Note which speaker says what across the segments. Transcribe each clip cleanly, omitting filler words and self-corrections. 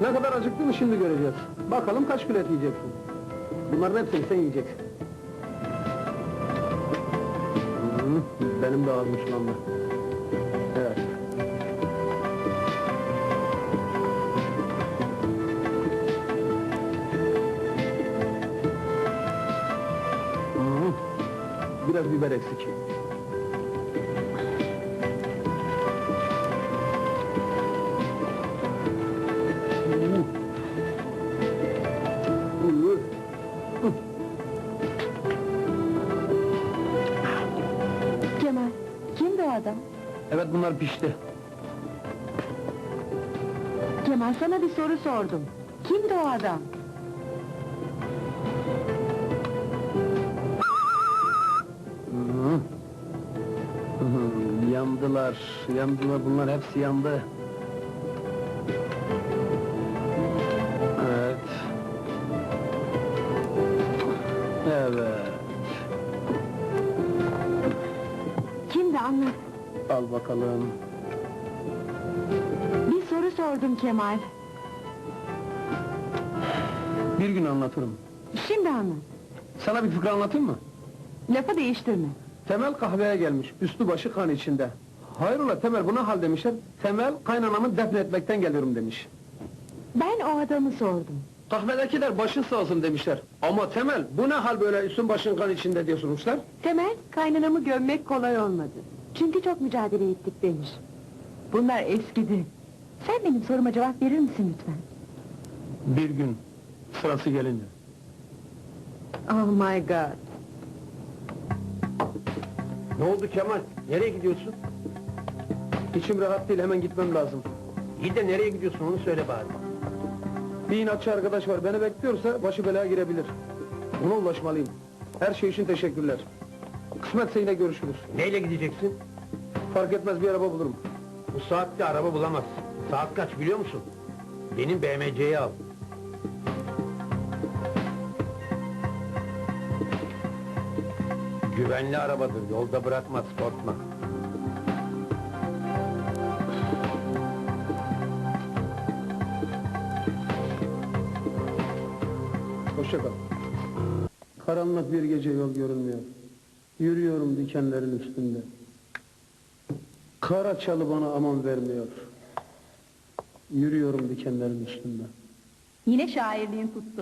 Speaker 1: Ne kadar acıktığını şimdi göreceğiz. Bakalım kaç kilo et yiyeceksin. Bunların hepsini sen yiyeceksin. Benim de ağzım sulandı. Evet. Biraz biber eksik.
Speaker 2: Kemal, kimdi o adam?
Speaker 1: Evet, bunlar pişti.
Speaker 2: Kemal, sana bir soru sordum. Kimdi o adam?
Speaker 1: Yandılar, yandılar, bunlar hepsi yandı. Evet. Evet.
Speaker 2: Kimdi, anlat.
Speaker 1: Al bakalım.
Speaker 2: Bir soru sordum Kemal.
Speaker 1: Bir gün anlatırım.
Speaker 2: Şimdi anlat.
Speaker 1: Sana bir fıkra anlatayım mı?
Speaker 2: Lafı değiştirme.
Speaker 1: Temel kahveye gelmiş, üstü başı kan içinde. Hayrola Temel, bu ne hal demişler? Temel, kaynanamı defnetmekten geliyorum demiş.
Speaker 2: Ben o adamı sordum.
Speaker 1: Kahvedekiler başın sağ olsun demişler. Ama Temel, bu ne hal böyle üstün başın kan içinde diye sormuşlar.
Speaker 2: Temel, kaynanamı gömmek kolay olmadı. Çünkü çok mücadele ettik demiş. Bunlar eskidi. Sen benim soruma cevap verir misin lütfen?
Speaker 1: Bir gün, sırası gelince.
Speaker 2: Oh my God!
Speaker 1: Ne oldu Kemal? Nereye gidiyorsun? İçim rahat değil, hemen gitmem lazım.
Speaker 3: İyi de nereye gidiyorsun onu söyle bari.
Speaker 1: Bir inatçı arkadaş var, beni bekliyorsa başı belaya girebilir. Ona ulaşmalıyım. Her şey için teşekkürler. Kısmetse yine görüşürüz.
Speaker 3: Neyle gideceksin?
Speaker 1: Fark etmez, bir araba bulurum.
Speaker 3: Bu saatte araba bulamazsın. Saat kaç biliyor musun? Benim BMC'yi al. Güvenli arabadır, yolda bırakmaz, korkma.
Speaker 1: Hoşça kal. Karanlık bir gece, yol görünmüyor. Yürüyorum dikenlerin üstünde. Kara çalı bana aman vermiyor. Yürüyorum dikenlerin üstünde.
Speaker 2: Yine şairliğin tuttu.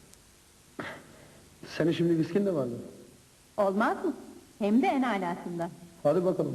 Speaker 1: Senin şimdi viskin de vardı.
Speaker 2: Olmaz mı? Hem de en alasından.
Speaker 1: Hadi bakalım.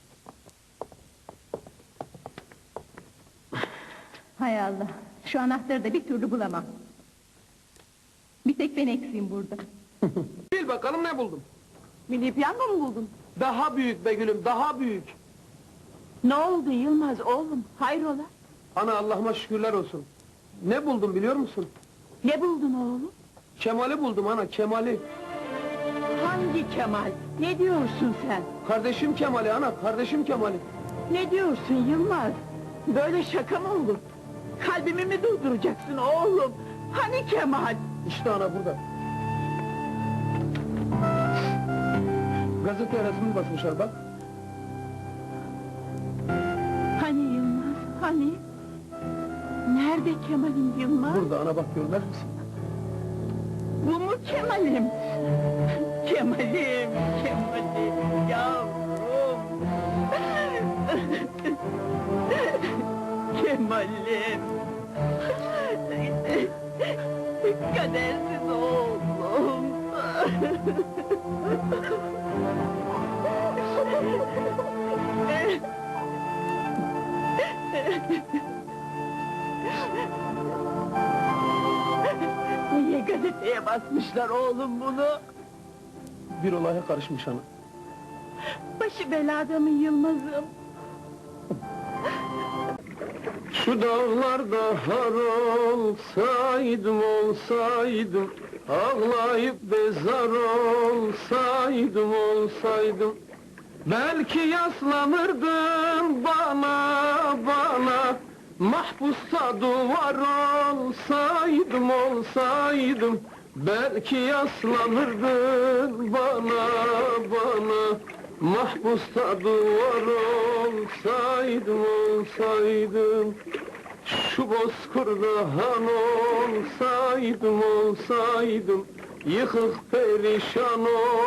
Speaker 2: Hay Allah! Şu anahtarı da bir türlü bulamam. Bir tek ben eksiğim burada.
Speaker 1: Bil bakalım ne buldum.
Speaker 2: Milli piyango mu buldun?
Speaker 1: Daha büyük be gülüm, daha büyük.
Speaker 2: Ne oldu Yılmaz oğlum? Hayrola?
Speaker 1: Ana Allah'ıma şükürler olsun. Ne buldum biliyor musun?
Speaker 2: Ne buldun oğlum?
Speaker 1: Kemal'i buldum ana, Kemal'i.
Speaker 2: Hangi Kemal? Ne diyorsun sen?
Speaker 1: Kardeşim Kemal'i ana, kardeşim Kemal'i.
Speaker 2: Ne diyorsun Yılmaz? Böyle şaka mı olur? Kalbimi mi durduracaksın oğlum? Hani Kemal?
Speaker 1: İşte ana burada. Gazete resmini basmışlar bak.
Speaker 2: Hani Yılmaz? Hani? Nerede Kemal'im Yılmaz?
Speaker 1: Burada ana, bak görmez misin?
Speaker 2: Bu mu Kemal'im? Kemal'im, Kemal'im, yavrum! Kemal'im! Kadersiz oğlum! Niye gazeteye basmışlar oğlum bunu?
Speaker 1: Bir olaya karışmış ana.
Speaker 2: Başı belada mı Yılmaz'ım?
Speaker 1: Şu dağlarda har olsaydım, olsaydım, ağlayıp bezar olsaydım, olsaydım, belki yaslanırdım bana, mahpusta duvar olsaydım, olsaydım, belki yaslanırdın bana, mahpusta duvar olsaydım, olsaydım. Şu bozkırda han olsaydım, yıkık perişan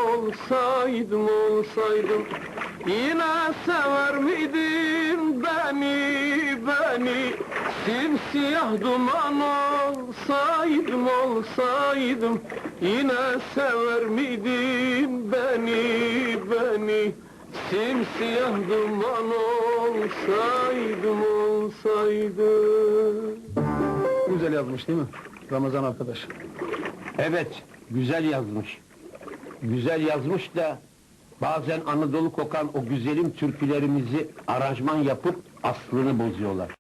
Speaker 1: olsaydım, yine sever miydin beni, simsiyah duman olsaydım, yine sever miydin beni, simsiyah duman olsaydım. Güzel yazmış değil mi? Ramazan arkadaş.
Speaker 3: Evet, güzel yazmış. Güzel yazmış da bazen Anadolu kokan o güzelim türkülerimizi aranjman yapıp aslını bozuyorlar.